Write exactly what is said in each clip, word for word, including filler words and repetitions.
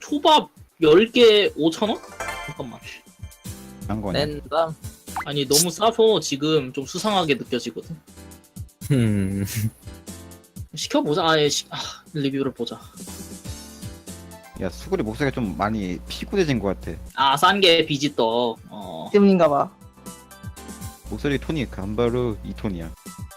초밥 열 개 오천 원? 잠깐만. 한 거냐? 랜덤. 아니 너무 싸서 지금 좀 수상하게 느껴지거든. 음. 시켜보자. 아예 시... 아, 리뷰를 보자. 야 수구리 목소리가 좀 많이 피곤해진 것 같아. 아, 싼 게 비지떡. 어. 때문인가봐. 목소리 톤이 간바로 이 톤이야.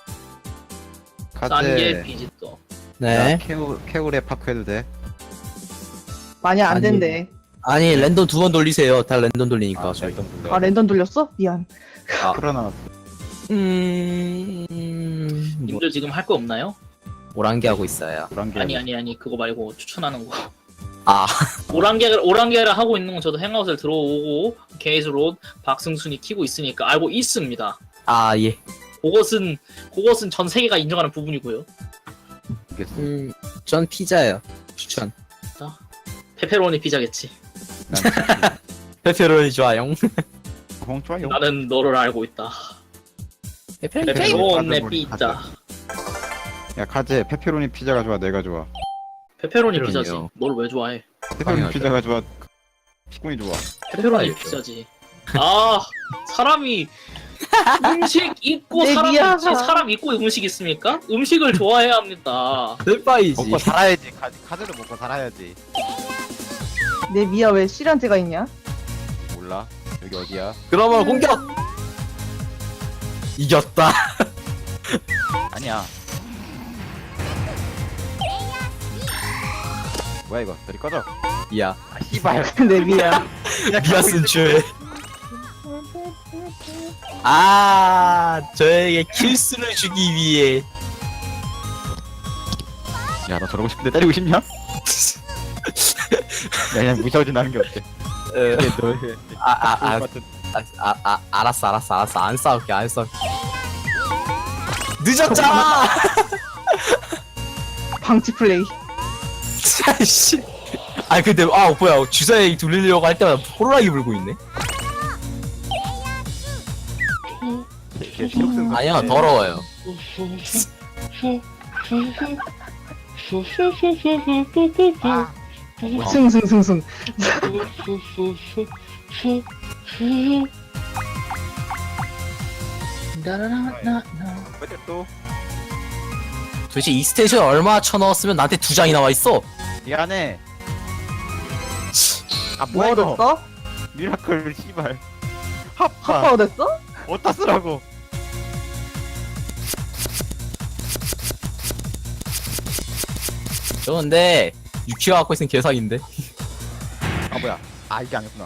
싼 게 카제. 비지떡. 네. 케우 케우레 파크 해도 돼? 많이 안 아니. 된대. 아니 랜덤 두 번 돌리세요. 다 랜덤 돌리니까 저희. 랜덤 아 랜덤 돌렸어? 미안. 아. 풀어놔. 음. 음... 뭐, 님들 지금 할 거 없나요? 오랑기 하고 있어요. 불안개. 아니 아니 아니 그거 말고 추천하는 거. 아. 오랑개를 오랑개를 하고 있는 건 저도 행아웃을 들어오고 게이즈롯 박승순이 키고 있으니까 알고 있습니다. 아 예. 그것은 그것은 전 세계가 인정하는 부분이고요. 알겠어. 음. 전 피자예요. 추천. 페페로니 피자겠지. 난 페페로니 좋아요. 공 좋아요. 나는 너를 알고 있다. 페페로니. 페페로니 페페로니 피자. 야 카제 페페로니 피자가 좋아 내가 좋아. 페페로니 페페로니요. 피자지. 널 왜 좋아해? 페페로니 당연하죠. 피자가 좋아. 피곤이 좋아. 페페로니 알죠. 피자지. 아 사람이 음식 있고 내 사람 미안. 있지 사람 있고 음식 있습니까? 음식을 좋아해야 합니다. 셀파이지. 먹고 살아야지. 카, 카제도 먹고 살아야지. 내 미야 왜 실한테가 있냐? 몰라. 여기 어디야? 그러면 공격. 이겼다. 아니야. 뭐야 이거? 저리 꺼져. 야. 아 씨발. 내 미야. 미아슨 죄. 아, 저에게 킬수를 주기 위해. 야 너 저러고 싶은데 때리고 싶냐? 야 그냥 무시하고 지나는 게 어때? 어, 너의 아, 아, 아, 같은 아, 아, 아, 알았어, 알았어, 알았어. 안 싸울게, 안 싸울게. 늦었잖아! 방치 플레이. 씨. 아, 근데, 아, 뭐야. 주사에 돌리려고 할 때마다 호루라기 불고 있네? 이렇게 실룩슨 아니야, 더러워요. 아, 승승승승. 왜 또? 도대체 이 스테이션 얼마 쳐넣었으면 나한테 두 장이 나와있어? 미안해. 아 뭐 뭐야 이거? 얻었어? 미라클 씨발. 하파 합파. 얻었어? 어디다 쓰라고? 저 근데, 유키가 갖고 있는 개사기인데? 아 뭐야? 아 이게 아니구나.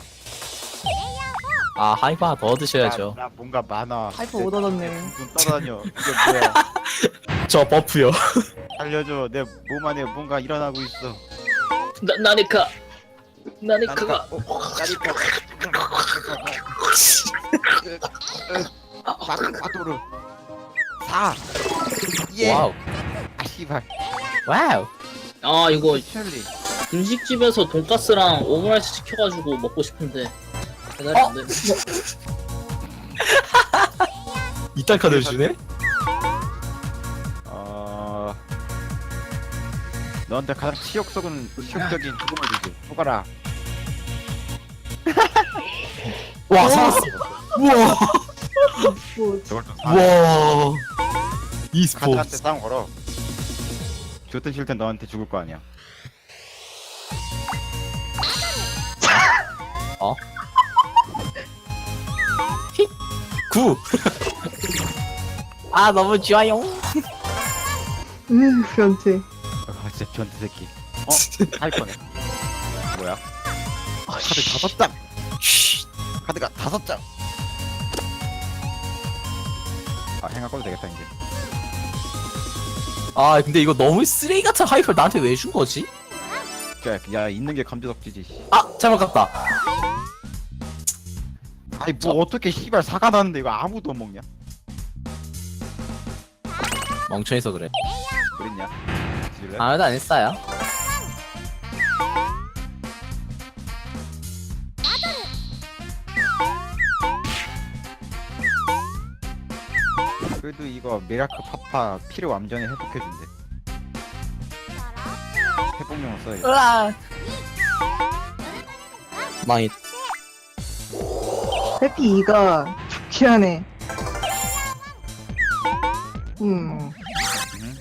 아, 하이파 하나 더 얻으셔야죠. 나, 나 뭔가 많아. 하이퍼 못 얻었네. 눈 떠다녀. 이게 뭐야? 저 버프요. 알려줘. 내 몸 안에 뭔가 일어나고 있어. 나 나니까 나니카가 어, 나니까. 마토르. 사. 예. 와우. 아 씨발. 와우. 아 이거 셜리. 분식집에서 돈가스랑 오므라이스 시켜가지고 먹고 싶은데 배달이 어? 안 되네. 이딴 카드를 주네? 어. 너한테 가장 치욕 속은 치욕적인 죽음을 주지. 죽어라. 와, 살았어. 우와. 뭐, 저걸 좀 사. 우와. 카드한테 e스포츠. 싸움 걸어. 좋든 싫든 너한테 죽을 거 아니야. 구. 아, 너무 좋아요. 으 변태. 아 진짜 변태 새끼. 어? 할 거네. 뭐야? 카드 다섯 장. 쉿. 카드가 다섯 장. 아 행아 꺼도 되겠다 이제. 아, 근데 이거 너무 쓰레기 같은 하이퍼를 나한테 왜 준 거지? 야, 야 있는 게 감지덕지지. 씨. 아, 잘못 갔다. 아니 뭐 어떻게 씨발 사과 나는데 이거 아무도 못 먹냐? 멍청해서 그래. 그랬냐? 지질래? 아무도 안 했어요. 그래도 이거 미라클 파파 피를 완전히 회복해준대. 회복용을 써야겠다. 으아. 망이. 해피 이가 좋긴 하네. 음. 음.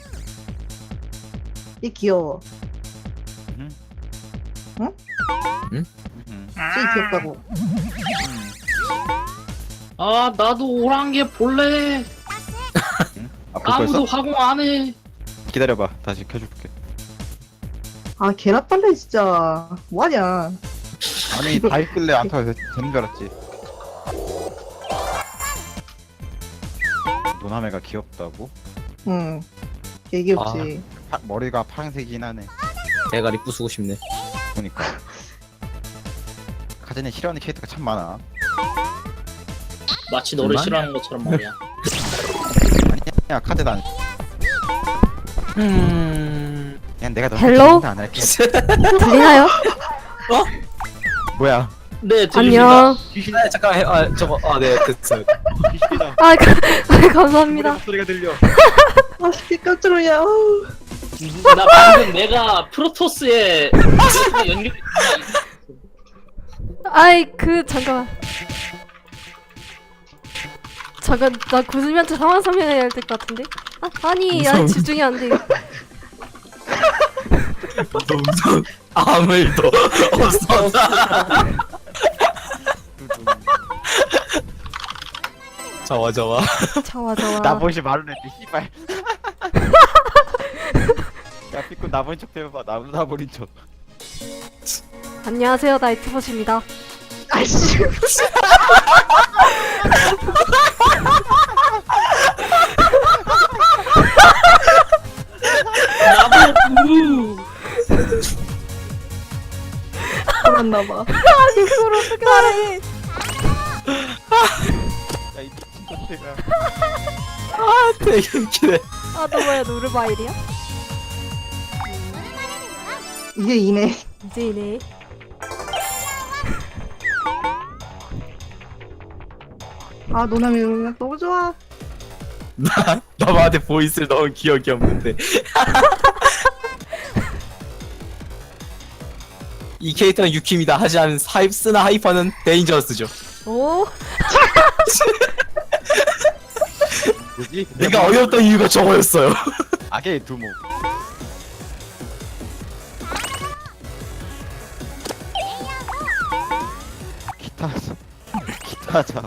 얘 귀여워. 음. 응? 응? 음. 제일 귀엽다고. 아 나도 오랑캐 볼래. 아, 볼 아무도 거였어? 화공 안 해. 기다려봐. 다시 켜줄게. 아 개나빨래 진짜. 뭐하냐. 아니 다 있길래 안 타도 되- 되는 줄 알았지. 노나메가 귀엽다고? 응. 개 귀엽지. 파, 머리가 파란색이긴 하네. 대가리 부수고 싶네. 보니까. 카제네 싫어하는 캐릭터가 참 많아. 마치 너를 정말? 싫어하는 것처럼 말이야. 야 카제 난 음. 그냥 내가 너 헬로? 안 할게. 들리나요? 뭐야? 네 들립니다. 안녕. 아, 잠깐 해. 아 저거 아네 됐어요. 아, 가, 아 감사합니다. 소리가 들려. 아 개 깜짝 놀냐. 아우. 나 방금 내가 프로토스에 연결. 아이 그 잠깐만. 잠깐 나 구슬미한테 상황 설명해야 될 것 같은데. 아 아니 야 무서운- 집중이 안 돼. 무서운 아무 일도 없어. 저와 저와. 저와 저와. 나보시 말을 했지 씨발. 야 피코 나본 척 해봐. 나도 나버린 척. 안녕하세요 나이트봇입니다. 아이씨. 나보고 그랬나봐. 아니 그걸 어떻게 말해? 야이 미친 것들아. 아 되게 웃기네. 아 너 뭐야 노르바일이야? 이게 이네. 이제 이네. 아 노남이 음악 너무 좋아. 나 나한테 보이스를 넣은 기억이 없는데. 이 캐릭터는 유키입니다. 하지만 하이프스나 하이퍼는 데인저스죠. 오 뭐지? 내가 어이없던 이유가 저거였어요. 악의 두목. 기타 기타 자.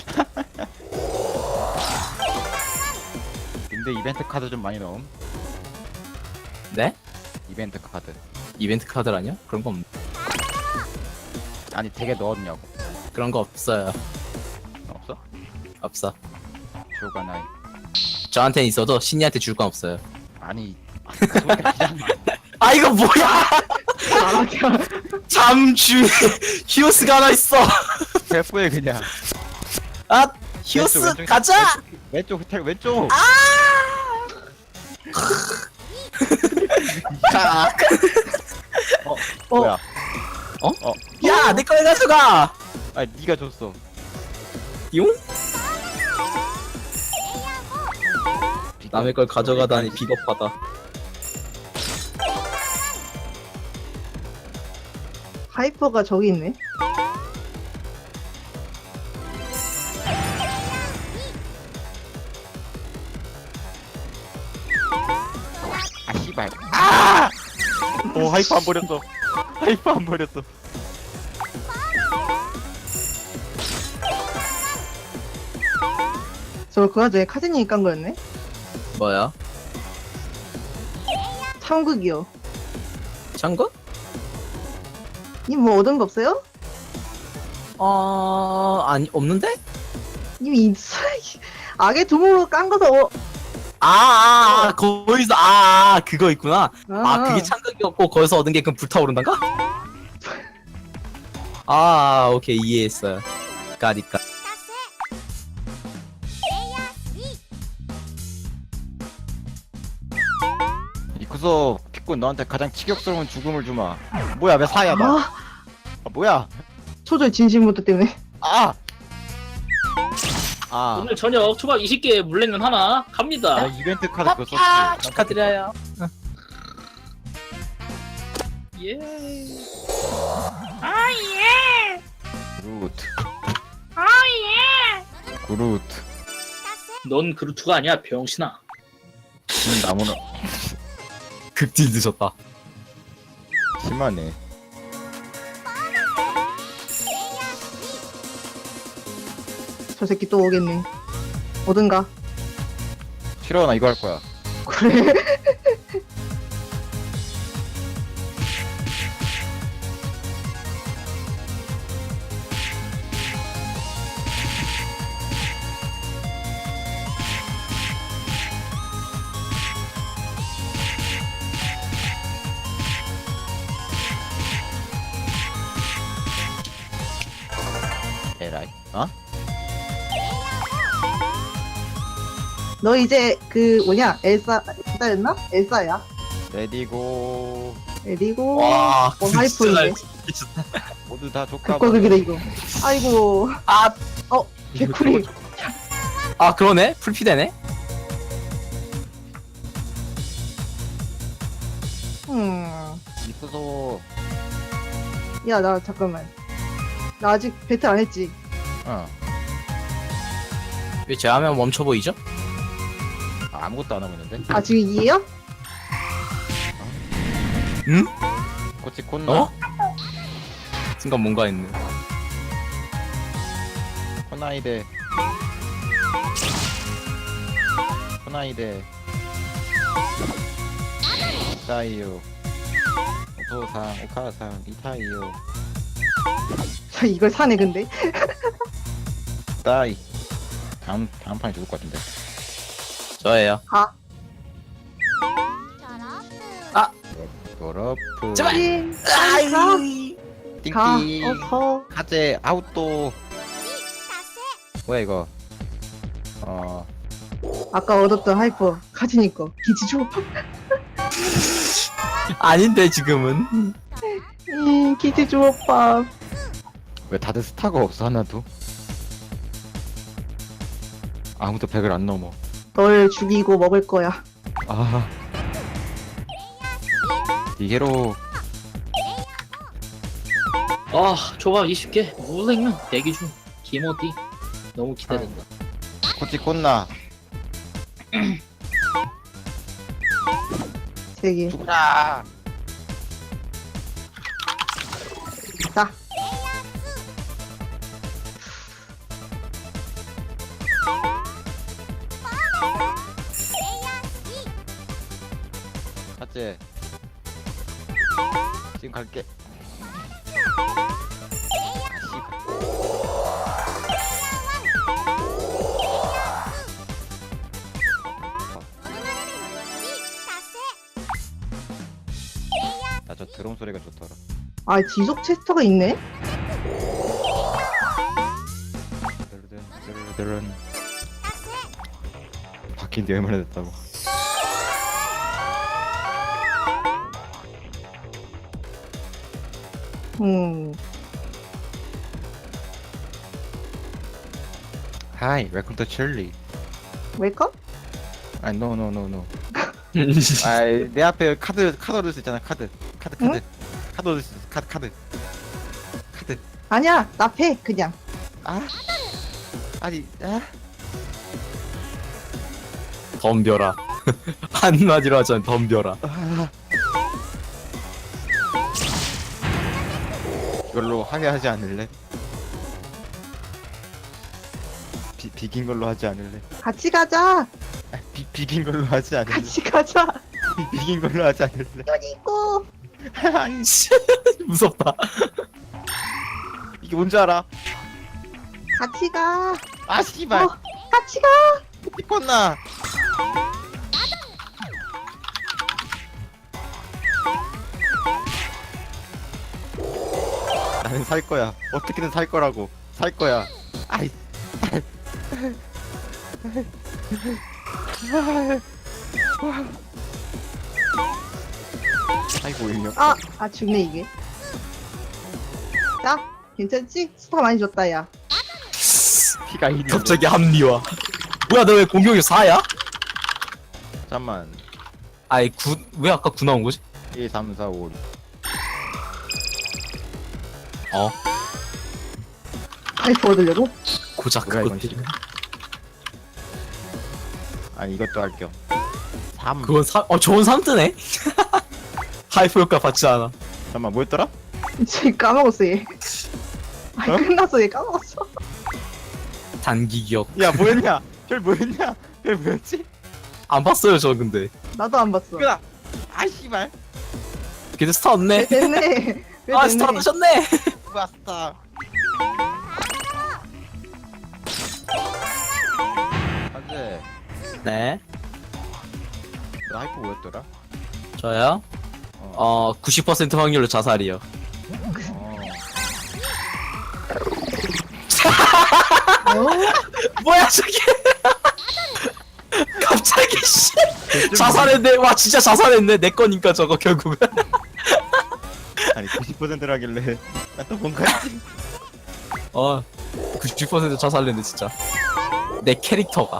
근데 이벤트 카드 좀 많이 넣음. 네? 이벤트 카드. 이벤트 카드라뇨? 그런 거 없. 아니 되게 넣었냐고. 그런 거 없어요. 없어? 없어. 쇼가 나이. 저한테는 있어도 신이한테 줄 건 없어요. 아니 그 소리가 그냥 아 이거 뭐야? 아 그냥. 잠주 히오스가 하나 있어. 셀프에 그냥. 아 히오스 왼쪽, 왼쪽, 가자. 왼쪽 호텔 왼쪽. 가. 어 뭐야? 야 내 거에 가져가. 아 네가 줬어. 용? 남의 걸 가져가다니 비겁하다. 하이퍼가 저기 있네. 아 씨발. 아! 오 하이프 안 버렸어. 하이프 안 버렸어. 저 그 와중에 카제님이 깐 거였네. 뭐야? 참극이요. 참고? 님 뭐 얻은 거 없어요? 어 아니 없는데? 이미 있어. 악의 두목으로 깐 거서 어. 아, 아, 아 거기서 아, 아 그거 있구나. 아, 아. 그게 참극이었고 거기서 얻은 게 그럼 불타오른단가? 아 오케이 이해했어요. 까니까. 이쿠소 피꾼 너한테 가장 치격스러운 죽음을 주마. 뭐야 왜 사야 나? 아, 아 뭐야? 초절 진심부터 때문에. 아. 아. 오늘 저녁 초밥 이십 개 물냉면 하나 나 갑니다. 이벤트 카드 그거 썼지. 아, 축하드려요. 예. 아 예. 그루트. 아예. 그루트. 넌 그루트가 아니야 병신아. 음, 나무는 극딜 드셨다. 심하네. 저 새끼 또 오겠네. 어딘가. 싫어 나 이거 할 거야. 그래. 에라이. 어? 너 이제 그 뭐냐 엘사 엘사였나? 엘사야. 레디고. 그리고 와, 어, 하이프인데. 모두 다 조카. 극과극이다 이거. 아이고. 아, 어 개꿀이. 아 그러네. 풀피되네. 음. 이쁘소. 야 나 잠깐만. 나 아직 배틀 안 했지. 어. 왜 제하면 멈춰 보이죠? 아, 아무것도 안 하고 있는데. 아 지금 이해요? 응? 꼬치 콘나. 어? 순간 뭔가 했네. 코나이데. 코나이데. 이타이요. 오토상, 오카상, 이타이요. 저 이걸 사네 근데. 따이. 다음 다음 판에 죽을 것 같은데. 저예요. 가. 도러프. 제발! 띵. 가. 띵띵. 가. 어서. 카제 아웃도. 뭐야 이거? 어. 아까 얻었던 하이퍼 가지니까 기지 줘. 아닌데 지금은. 음 기지 줘 오빠. 왜 다들 스타가 없어 하나도? 아무도 백을 안 넘어. 널 죽이고 먹을 거야. 아. 이게로. 아 초밥 이십 개 무생명 대기 중. 김어디 너무 기대된다. 코치 콘나. 세 개. 죽어라. 자. 카제. 지금 갈게. 나 저 드럼 소리가 좋더라. 아 지속 체스터가 있네. 드르든 드르든. 바뀐 지 얼마나 됐다고. 음. Hi, welcome to Chile. 웰컴? 아, no, no, no, no. 아, 내 앞에 카드 카드 얻을 수 있잖아. 카드, 카드, 카드, 카드 얻을 수 있어. 카드, 카드, 카드. 아니야 나 패 그냥. 아, 아니, 아. 덤벼라. 한마디로 하자면 덤벼라. 아. 이걸로 항해하지 않을래? 비, 비긴 걸로 하지 않을래? 같이 가자. 아, 비, 비긴 걸로 하지 않을래? 같이 가자. 비, 비긴 걸로 하지 않을래? 그리고 아니, 씨. 무섭다. 이게 뭔지 알아? 같이 가. 아, 씨발. 어, 같이 가. 이뻤나? 나는 살 거야. 어떻게든 살 거라고. 살 거야. 아이. 아이고 인력. 아, 아 죽네 이게. 자, 괜찮지? 스타 많이 줬다 야. 피가 일. 갑자기 합리화. 뭐야 너 왜 공격이 사야? 잠만. 아이 구 왜 아까 구 나온 거지? 일, 삼, 사, 오. 어. 하이프 얻으려고? 고작 뭐야, 이건 그것들. 지금? 아 이것도 할겸 삼 그건 삼, 어 좋은 삼 뜨네. 하이프 효과 받지 않아. 잠깐만 뭐였더라? 쟤 까먹었어 얘. 아 어? 끝났어 얘 까먹었어. 단기 기억. 야 뭐였냐? 별 뭐였냐? 별 뭐였지? 안 봤어요 저 근데. 나도 안 봤어. 끄다 아 씨발 걔도 스타 없네. 됐네. 왜 아 됐네. 스타 하셨네. 왔다 안돼 네. 너 하이프 뭐였더라? 저요? 어, 어 구십 퍼센트 확률로 자살이요. 어. 어? 뭐야 저게? 갑자기 씨. 자살했네. 와 진짜 자살했네. 내 거니까 저거 결국은. 아니 구십 퍼센트라길래 나 또 뭔가 했지? 어 구십 퍼센트 자살했네 진짜. 내 캐릭터가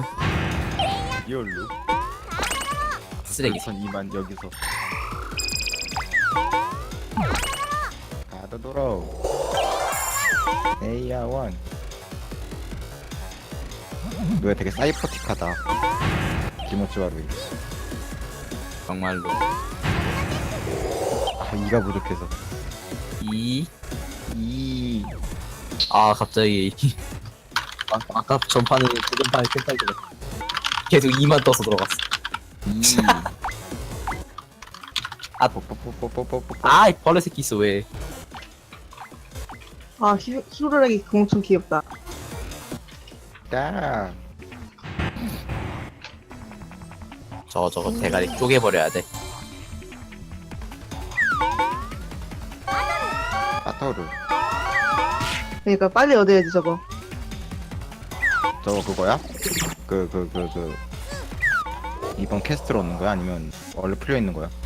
리얼로 쓰레기. 선 이만 여기서 가다 돌아오 에이야 원 너야 되게 사이퍼틱하다 기모츠와루이 정말로. 아 이가 부족해서 이. 이 아 갑자기. 아, 아까 전판에 전판에 캔탈 들 계속 이만 떠서 들어갔어. 이 아. 뽀뽀뽀뽀뽀뽀뽀 아, 이 벌레 새끼 있어 왜? 아 히, 히로라기 엄청 귀엽다. 야 저거 저거 대가리 쪼개버려야 돼. 아토르 그러니까 빨리 얻어야지 저거. 저거 그거야? 그 그 그 그 이번 캐스트로 얻는 거야? 아니면 원래 풀려 있는 거야?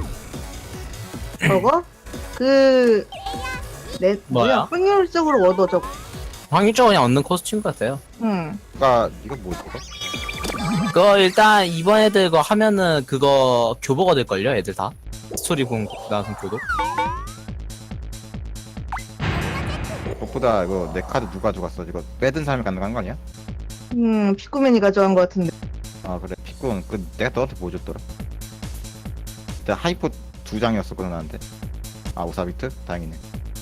저거? 그... 내, 뭐야? 뭐야? 확률적으로 얻어 저거. 확률적으로 그냥 얻는 코스튬 같아요. 응. 그니까 이거 뭐 저거? 그거 일단 이번 애들 그거 하면은 그거 교보가 될걸요 애들 다. 스토리 본 나선 교도. 무엇보다 이거 내 카드 누가 가져갔어? 이거 빼든 사람이 가능한 거 아니야? 음, 피꾸맨이 가져간 것 같은데. 아 그래 피꾼 그 내가 너한테 뭐 줬더라? 내가 하이포 두 장이었었거든 나한테. 아 오사비트? 다행이네.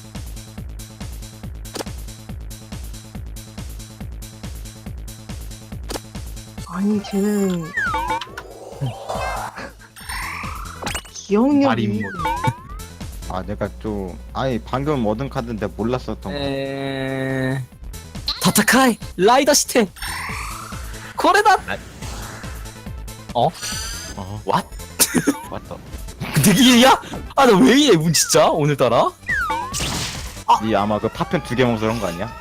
아니, 쟤는. 기억력이. 말이 뭐. 아 내가 좀 아니 방금 얻은 카드인데 몰랐었던 거. 에... 다타카이 라이더 시테 코레다. 어? 왓? 맞다. 되게야? 아 나 왜 이래 문 진짜 오늘따라? 이 아마 그 파편 두 개 먹어서 그런 거 아니야?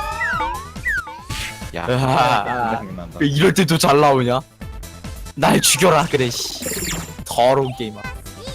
야, 으아. 생각난다. 왜 이럴 때도 잘 나오냐? 날 죽여라 그래 씨. 더러운 게임아.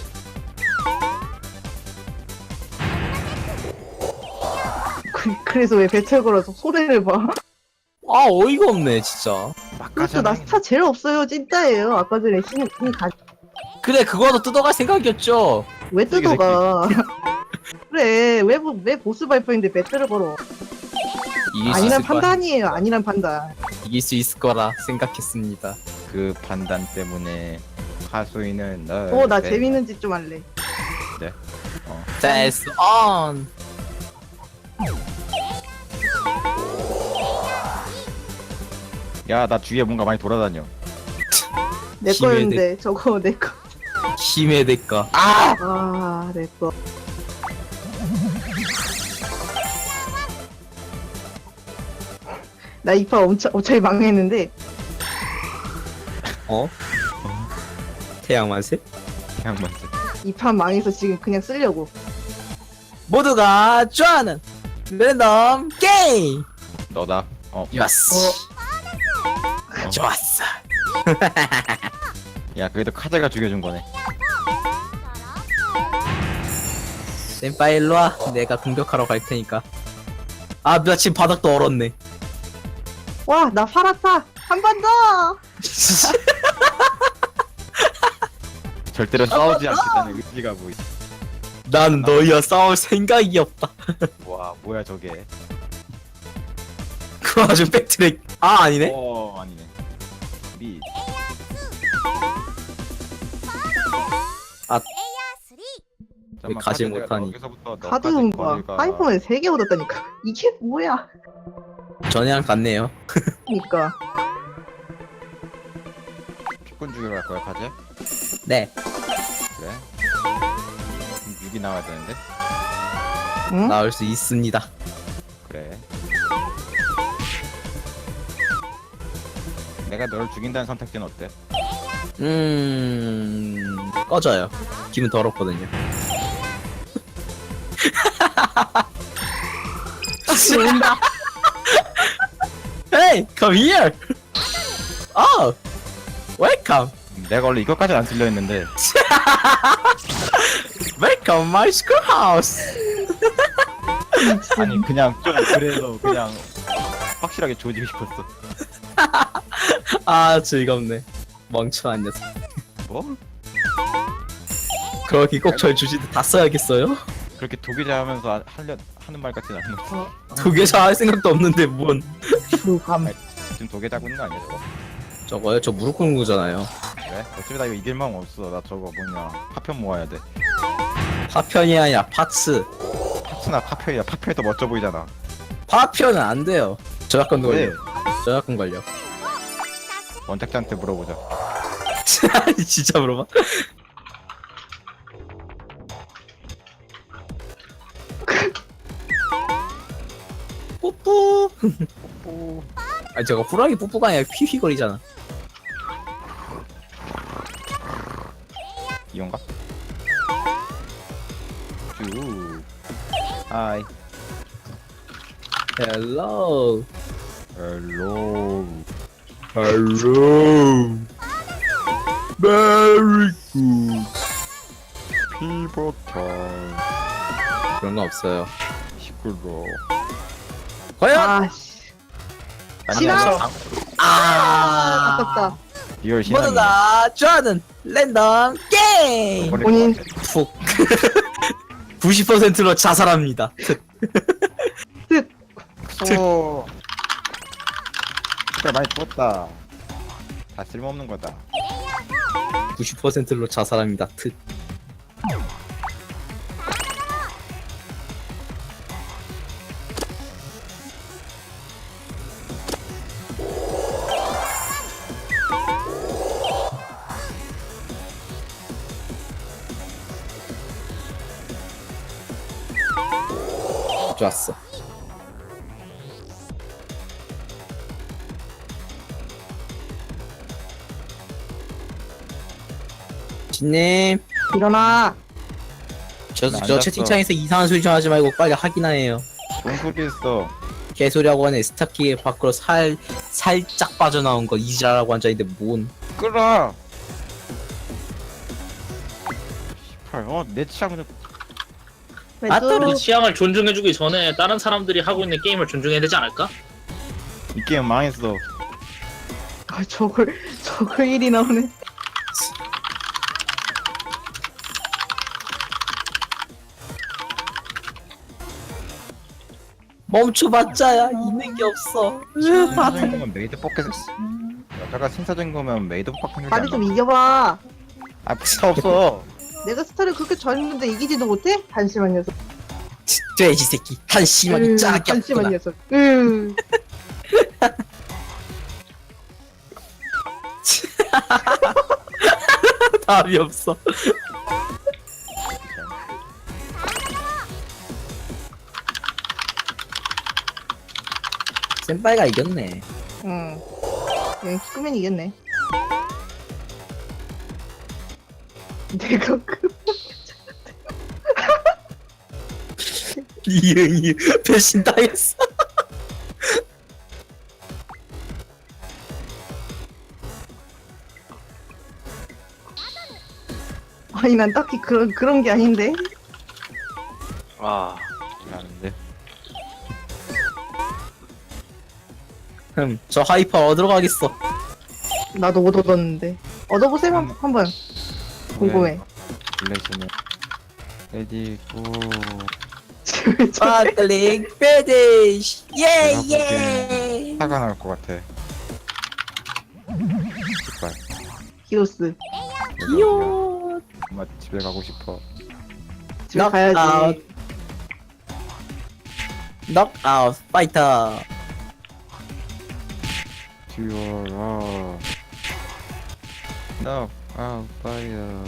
그, 그래서 왜 배틀 걸어서 소리를 봐. 아 어이가 없네 진짜. 그렇죠. 나 스타 제일 없어요. 찐따예요. 아까 전에 신이 가... 그래 그거도 뜯어갈 생각이었죠. 왜 새끼, 뜯어가? 그래. 왜, 보- 왜 보스 발표인데 배틀을 걸어? 이길 수 아니란 있을 거야. 판단이에요. 아니란 판단. 이길 수 있을 거라 생각했습니다. 그 판단 때문에 하수인은 널 어, 나 배- 재밌는 짓 좀 할래. That's on. 야, 나 주위에 뭔가 많이 돌아다녀. 내 힘의 거였는데, 저거 내 거. 힘의 대가. 아! 아, 내 거. 나 이파 엄청, 엄청 망했는데, 어? 태양만세? 그냥 먼저. 이파 망해서 지금 그냥 쓰려고. 모두가 좋아하는 랜덤 게임. 너다. 어, 좋았어. 어. 좋았어. 야, 그래도 카드가 죽여준 거네. 센파이 일로와. 내가 공격하러 갈 테니까. 아, 나 지금 바닥도 얼었네. 와, 나 팔았다! 한 번 더! 절대로 싸우지 않겠다는 의지가 보이. 난 너희와 싸울 생각이 없다. 와, 뭐야 저게. 그 와중 백트랙. 아 아니네. 어 아니네. 미. 왜 가지 못하니? 카드 용과 하이퍼맨 세 개 얻었다니까. 이게 뭐야? 전이랑 같네요. 그니까. 축군 주기로 할 거야 카즈? 네. 그래. 육이 나와야 되는데. 응? 나올 수 있습니다. 그래. 내가 널 죽인다는 선택지는 어때? 음 꺼져요. 기분 더럽거든요. 온다. Hey, come here. Oh, welcome, 내가 원래 이것까지 안 쓸려 했는데 welcome my schoolhouse. 아니 그냥 좀 그래서 그냥 확실하게 조지고 싶었어. 아 즐겁네. 멍청한 녀석. 뭐? 그렇게 꼭 절 주시듯 다 써야겠어요? 그렇게 도기자 하면서 하- 하려 하는 말 같진 않은 거. 두 개 잘 할 생각도 없는데 뭔? 주감. 지금 도개 잡고 있는 거 아니야 저거? 저거요? 저 무릎 꿇는 거잖아요. 그래? 어차피 나 이거 이길 마음 없어. 나 저거 뭐냐 파편 모아야 돼. 파편이 아니라 파츠. 파츠나 파편이야. 파편이 더 멋져 보이잖아. 파편은 안 돼요. 저작권도 왜? 걸려. 저작권 걸려. 원작자한테 물어보자. 진짜 물어봐. 뽀뽀. 오. 아니 저거 호랑이 뽀뽀가 아니라 휘휘거리잖아. 이건가? 쭉. 하이. 헬로. 헬로. 헬로. Very good. 피버탈. 그런 거 없어요. 시끄러. 과연? 아씨. 신앙! 아. 아깝다. 리얼 모두 신앙이. 다 좋아하는 랜덤 게임. 본인. 푹. 구십 퍼센트로 자살합니다. 오. 진짜 많이 죽었다. 다 쓸모없는 거다. 구십 퍼센트로 자살합니다. 특. 좋았어. 진님, 일어나. 저, 나 저 앉았어. 채팅창에서 이상한 소리 좀 하지 말고 빨리 하기나 해요. 뭔 소리 했어? 개소리하고 하네. 스타키 밖으로 살, 살짝 빠져나온 거 이지라라고 앉아있는데 뭔. 끌어. 씨발, 어, 내 취향은 아, 또 매주 우리 취향을 존중해주기 전에 다른 사람들이 하고 있는 게임을 존중해야 되지 않을까? 이 게임 망했어. 아, 저걸 저걸 일이 나오네. 멈춰봤자야 있는 게 없어. 신사적인 거면 메이드 포켓 여자가 신사적인 거면 메이드 포켓 빨리 좀 이겨봐. 아 필요 없어. 내가 스타를 그렇게 잘했는데 이기지도 못해? 한심한 녀석. 돼지 새끼 한심하게 으, 짜게 한심한 없구나. 녀석. 으. 답이 없어. 센파이가 이겼네. 응. 그냥 끄면 이겼네. 내가 그 이응 이응 배신 당했어. 아니 난 딱히 그런 그런 게 아닌데. 아, 아는데. 흠, 저 하이퍼 얻으러 가겠어. 나도 못 얻었는데. 얻어보세요 한- 한번. 궁금해. 블레이스는 레디 고. 바틀링 페디시 내가 예예. 화가 날 것 같아. 제발. 히로스. 귀여워. 엄마 집에 가고 싶어. 집에 넉아웃. 가야지. 넉아웃 파이터. 듀얼아. 너 아우 파이어.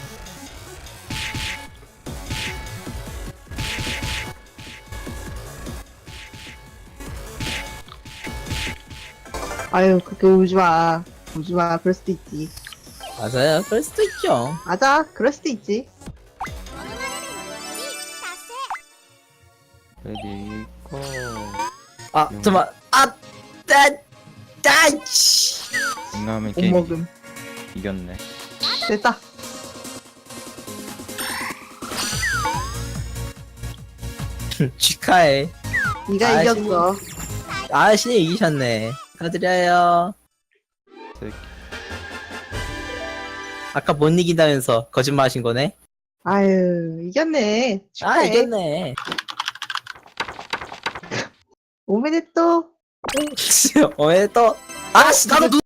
아유, 그렇게 울지 마. 울지 마. 그럴 수도 있지. 맞아요. 그럴 수도 있죠. 맞아. 그럴 수도 있지. 레디 고. 아 잠깐만. 아, 따, 따, 치. 응하면 못 게임 먹음. 이겼네. 됐다. 축하해. 네가 아, 이겼어. 아씨 이기셨네. 축하드려요. 새끼. 아까 못 이긴다면서 거짓말 하신 거네? 아유, 이겼네. 아, 축하해. 이겼네. 오메데또. 어, 왜 또? 아씨, 나도